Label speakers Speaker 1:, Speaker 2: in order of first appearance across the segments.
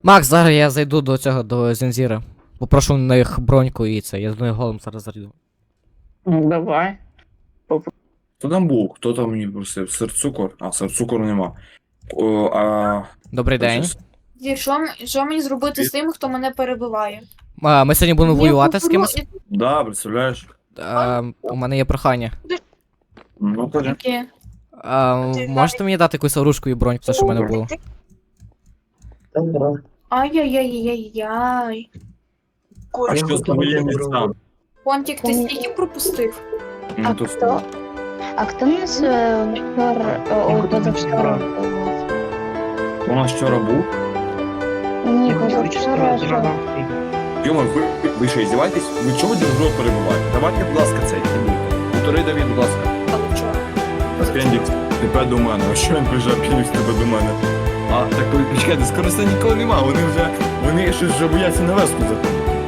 Speaker 1: Макс, зараз я зайду до цього, до Зензіра. Попрошу у них броньку і це, я з нею голим зараз зайду.
Speaker 2: Давай.
Speaker 3: Хто там був? Хто там мені просив? Сир-цукор? А, сир-цукору нема. О,
Speaker 1: Добрий день.
Speaker 4: Дір, що мені зробити з тим, хто мене перебиває?
Speaker 1: Ми сьогодні будемо воювати з кимось.
Speaker 3: Да, представляєш?
Speaker 1: У мене є прохання.
Speaker 3: Ну, кажи.
Speaker 4: Яке?
Speaker 1: Можете мені дати якусь оружку і броньку, все, що в мене було?
Speaker 4: Ай-яй-яй-яй-яй.
Speaker 3: А що з твоїм містам?
Speaker 4: Понтік, ти стільки пропустив?
Speaker 3: Ну, то
Speaker 5: хто? А хто у нас позавчора був?
Speaker 3: У нас вчора був.
Speaker 5: Ні, позавчора.
Speaker 3: Йома, ви що, іздіваєтесь? Ви чого друг друга перебуваєте? Давайте, будь ласка, цей. Повтори, Давід, будь ласка.
Speaker 4: Але вчора.
Speaker 3: Апендікс, тебе до мене. А що він прижав апендікс тебе до мене? А, так почекайте, скоро це ніколи нема. Вони щось вже бояться на веску заходити.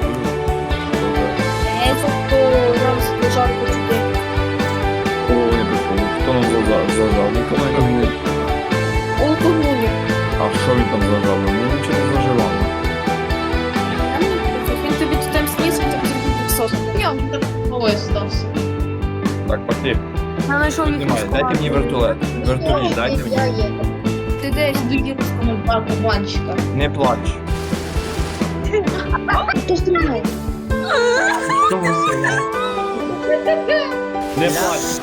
Speaker 4: Тобто зараз пожарку туди.
Speaker 3: О, не прикольно. Хто нам зажав? Ніколи не було.
Speaker 4: Алкоголю.
Speaker 3: А що він там зажав? Ну, нічого не заживав.
Speaker 4: Він тобі тут там сніс, він тобі зробив відсот.
Speaker 6: Ой, стався.
Speaker 3: Так, пошли.
Speaker 4: Я знайшов їх
Speaker 3: Знімай, дайте мені вертолет. Вертоліт, дайте мені.
Speaker 4: Ти десь до Єрусалиму.
Speaker 6: Барбанчика.
Speaker 3: Не плач.
Speaker 5: Хто стріляє?
Speaker 3: Не плач.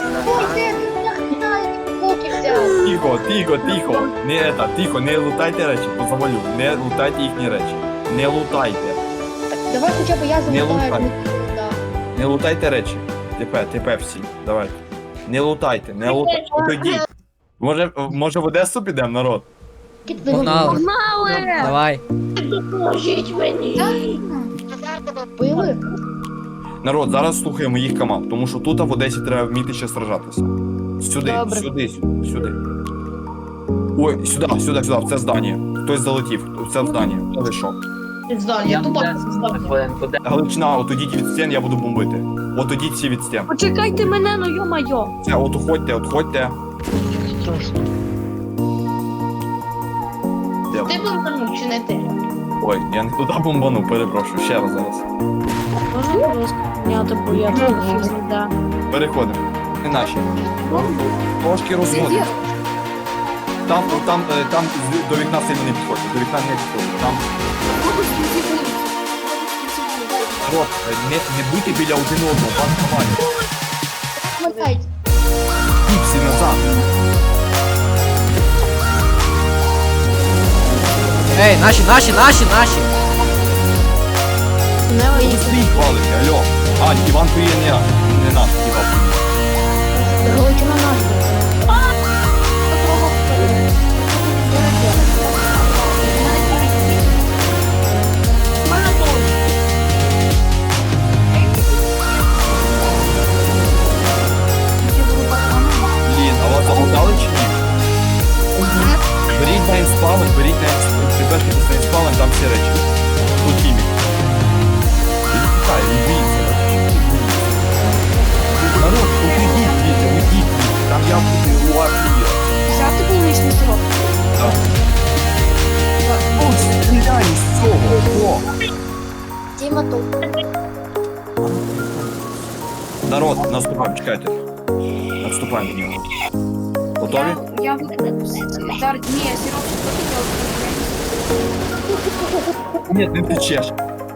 Speaker 5: Поки взяв.
Speaker 3: Тихо. Тихо, не лутайте речі, позавалю. Не лутайте їхні речі. Не лутайте.
Speaker 5: Давай хоча б я
Speaker 3: Не
Speaker 5: залутаю.
Speaker 3: лутай. Не лутайте речі. ТП всі, давайте. Не лутайте. Отойдіть. Може в Одесу підемо, народ?
Speaker 1: Погнали. Давай.
Speaker 6: Допоможіть мені.
Speaker 5: Били?
Speaker 3: Народ, зараз слухаємо їх команд, тому що тут в Одесі треба вміти ще сражатися. Сюди,
Speaker 5: Добре.
Speaker 3: сюди. Ой, сюди, в це здання. Хтось залетів, в це здання. Хто зайшов?
Speaker 6: Я тупо здав.
Speaker 3: Галичина, от ідіть від стін, я буду бомбити. От ідіть всі від стін.
Speaker 6: Почекайте мене, ну йо-майо.
Speaker 3: Це, от уходьте. Де ви?
Speaker 6: Ти бомбанув чи не ти?
Speaker 3: Ой, я не туди бомбану, перепрошую, ще раз зараз.
Speaker 6: Можна, будь ласка, підняти, бо я тут да.
Speaker 3: Переходимо. Не наші. Трошки розводимо.
Speaker 4: Зензір.
Speaker 3: Там до вікна сильно не підходьте, до вікна не підходьте. Там, народ, не будьте біля один одного, вас ховають.
Speaker 5: Мотайте.
Speaker 3: Всі назад.
Speaker 1: Ей, наші!
Speaker 3: Свій хвалите, алло. А, Іван твій не наш, Іван.
Speaker 5: Галичина наш.
Speaker 3: Блін, а вас заблудали чи ні? Беріть на інспаун, припешки на інспаун, там всі речі. Тут хімік. Він тікає, він боїться. Народ, уйдіть звідти. Там я буду у армії.
Speaker 4: Взяти полуничний сироп.
Speaker 3: Так. О, стріляй з цього! О!
Speaker 5: Діма тут.
Speaker 3: Народ, наступаємо, чекайте. Наступаємо до нього. Готові?
Speaker 4: Я Дар, ні, сироп
Speaker 3: Ні, не течеш.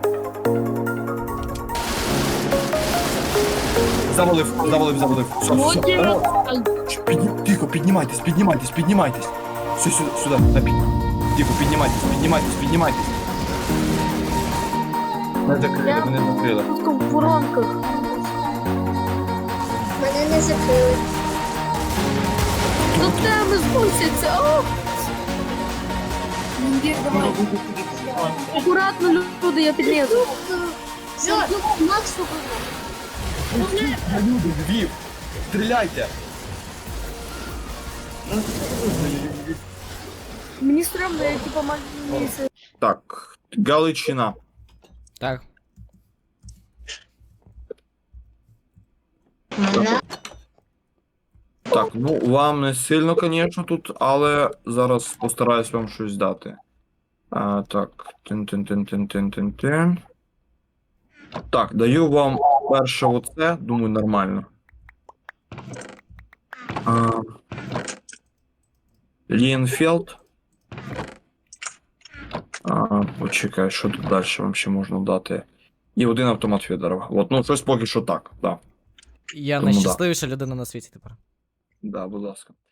Speaker 3: Завалив. Все. Народ. Тихо, піднімайтесь. Все, сюди, на пік. Тихо, піднімайтесь. Мене закрили.
Speaker 6: В воронках.
Speaker 5: Мене не закрили.
Speaker 6: До тебе спустяться. О,
Speaker 4: Зензір, давай.
Speaker 6: акуратно, люди, я підлізу.
Speaker 5: Макс
Speaker 3: Львів, стріляйте.
Speaker 6: Мені стрімно, я типа маю.
Speaker 3: Так, Галичина.
Speaker 1: Так.
Speaker 3: Так, ну вам не сильно, звісно, тут, але зараз постараюсь вам щось дати. Так, тин-тин-тин-тин-тин-тин-тин. Так, даю вам перше оце, думаю, нормально. Лієнфелд. Почекай, що тут далі вам ще можна дати? І один автомат Федорова. От, ну, щось поки що так, да.
Speaker 1: Я
Speaker 3: Тому да.
Speaker 1: найщасливіша людина на світі тепер.
Speaker 3: Да, будь ласка.